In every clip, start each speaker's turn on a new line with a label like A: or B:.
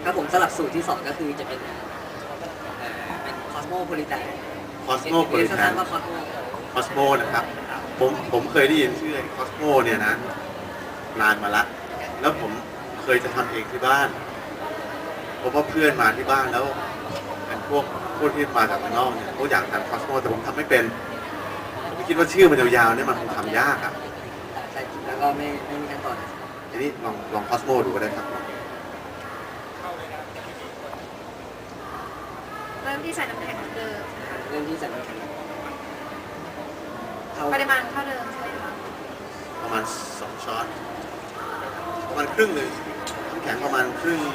A: ครับผมสลับสูตรที่2ก็คือจะเป็นคอสโมโพลิแทน
B: คอสโมโพลิแทน
A: ว่าคอสโม
B: นะครับผมเคยได้ยินชื่อคอสโมเนี่ยนะนานมาละแล้วผมเคยจะทำเองที่บ้านเพราะว่าเพื่อนมาที่บ้านแล้วเป็นพวกที่มาจากข้างนอกเนี่ยเขาอยากทำคอสโมแต่ผมทำไม่เป็นผมคิดว่าชื่อมันยาวๆเนี่ยมันคงทำยากอ่ะ
A: ใช่แล้วก็ไม่มีขั้นตอน
B: ทีนี้ลองคอสโมดูก็ได้ครับ
C: เริ่มที่ใส่น้ำแข็งเดิมนะคะ
A: เริ่มที่ใส่น้ำแข็ง
C: ปริมาณเท่าเดิมใช่ไหมคะ
B: ประมาณ2 ช้อนประมาณครึ่งหนึ่งน้ำแข็งประมาณครึ่ง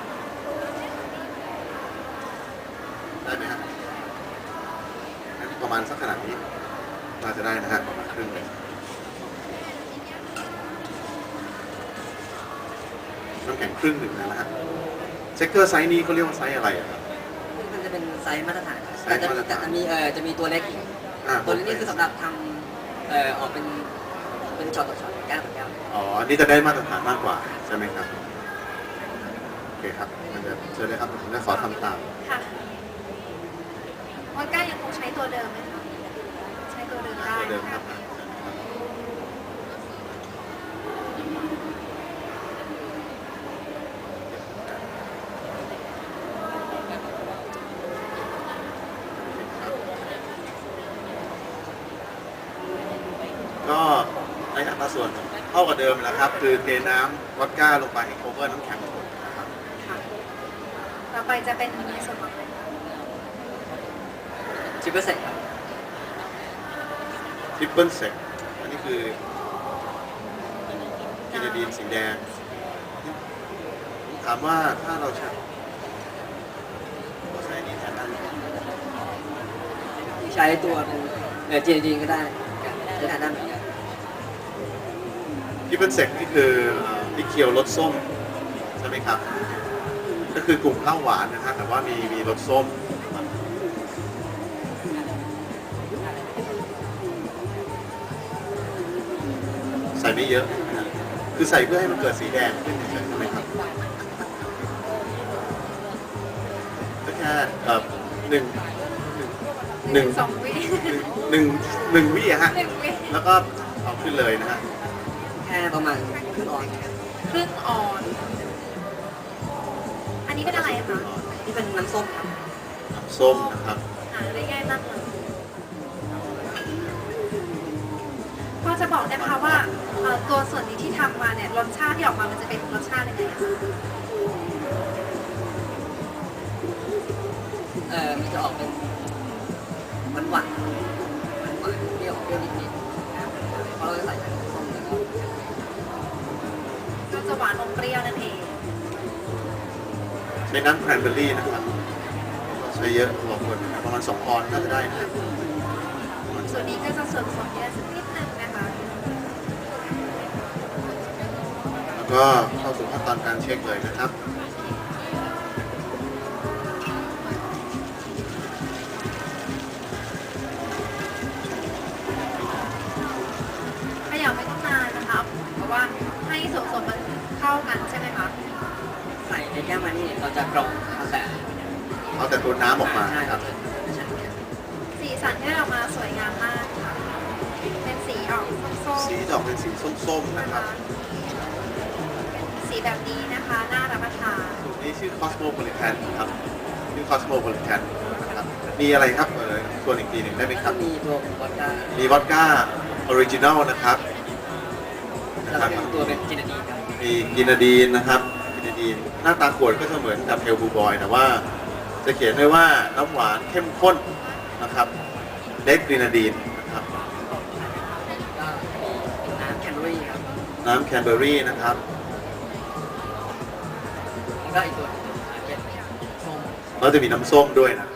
B: ได้ไหมครับประมาณสักขนาดนี้น่าจะได้นะฮะประมาณครึ่งเลยน้ำแข็งครึ่งหนึ่งนะฮะเช็คเกอร์ไซส์นี้เขาเรียกว่าไซส์อะไรครับ
A: มันจะเป็นไซส์มาตรฐานแต่จะมีตัวเล็กอีกตัวเล็กนี่คือสำหรับทำออกเป็นช็อตต่อช็อตแก้วต่อแก้ว
B: อ๋ออันนี้จะได้มาตรฐานมากกว่าใช่ไหมครับโอเคครับมันจะเชิญเลยครับผมจะขอทำตาม
C: ค่ะวอดก้ายังคงใช้ตัวเดิมไหมคะใช้ตัวเดิมได้
B: ตัวเดิมครับก็ในอัตราส่วนเท่ากับเดิมแล้วครับคือเทน้ำวอดก้าลงไปให้โคเวอร์น้ำแข็งหมดนะครับ
C: ต่อไปจะเป็นในส่วนของ
A: 10%ครับ
B: ทริปเปิลเซกอันนี้คือกินดีนสีแดงถามว่าถ้าเราใช้นี้แทนได้
A: ใช้ตัวเป็นจีดีก็ได้ใช้ทานได้เหมือนกัน
B: ทริปเปิลเซกนี่คือที่เคียวรสส้มใช่ไหมครับก็คือกลุ่มเหล้าหวานนะฮะแต่ว่ามีรสส้มใส่ไม่เยอะคือใส่เพื่อให้มันเกิดสีแดงขึ้นเฉยๆใช่ไหมครับก็แค่
C: 2 วิ
B: หนึ่งวิอะฮะแล้วก็เอาขึ้นเลยนะฮะ
A: แค่ประมาณครึ่งออน
C: อันนี้เป็นอะไรคะ
A: นี่เป็นน้ำส้มครับ
B: น้ำส้มนะครับ
C: หาได้ง่ายมากเลยพอจะบอกได้ไหมคะว่าตัวส่วนนี้ที่ทำมาเนี่ยรสชาติที่ออกมามันจะเป็นรสชาติยังไงคะ
A: มันจะออกเป็นหวานเปรี้ยวนิดเพราะเราจะใส่น้ำส้มแล้ว
C: ก็จะหวานอมเปรี้ยวนั่นเอง
B: ใช้น้ำแครนเบอร์รี่นะครับใช้เยอะพอควรประมาณ2 ออนซ์น่าจะได้นะครับ
C: ส่วนนี้ก็จะส่วนผสมเยอะสักนิดนึงนะคะ
B: แล้วก็เข้าสู่ขั้นตอนการเช็คเลยนะครับ
C: ขยับไม่ต้องนานนะคะเพราะว่าให้ส่วนผสมมันเข้ากันใช่ไหมคะ
A: ใส่ในแก้วมานี่เราจะกรองเอา
B: แต่ตัวน้ำออกมาครับ
C: สีสันที่ออกมาสวยงามมากค่ะเป็นสีออกส้มๆ
B: สีดอกเป็นสีส้มๆนะครับ
C: สีแบบนี้นะคะน่ารับประทาน
B: นี่ชื่อ Cosmopolitan ครับชื่อ Cosmopolitan นะครับมีอะไรครับส่วนอีกทีหนึ่งได้ไหมครับ
A: มีตัววอดก้า
B: มีวอดก้าออริจินัลนะครับ
A: แล้วก็ตัวเป็นจินาดีนครับ
B: มีกินาดีนนะครับกินาดีนหน้าตาขวดก็จะเหมือนกับเฮลบูบอยแต่ว่าจะเขียนไว้ว่าน้ำหวานเข้มข้นนะครับเด็กกินาดีนนะครับ
A: น้ำแคนเบอรี่ครับ
B: น้ำแคนเบอรี่นะครับ
A: แล้วก็อีกตัวเป็นส้ม
B: แล้วจะมีน้ำส้มด้วยนะ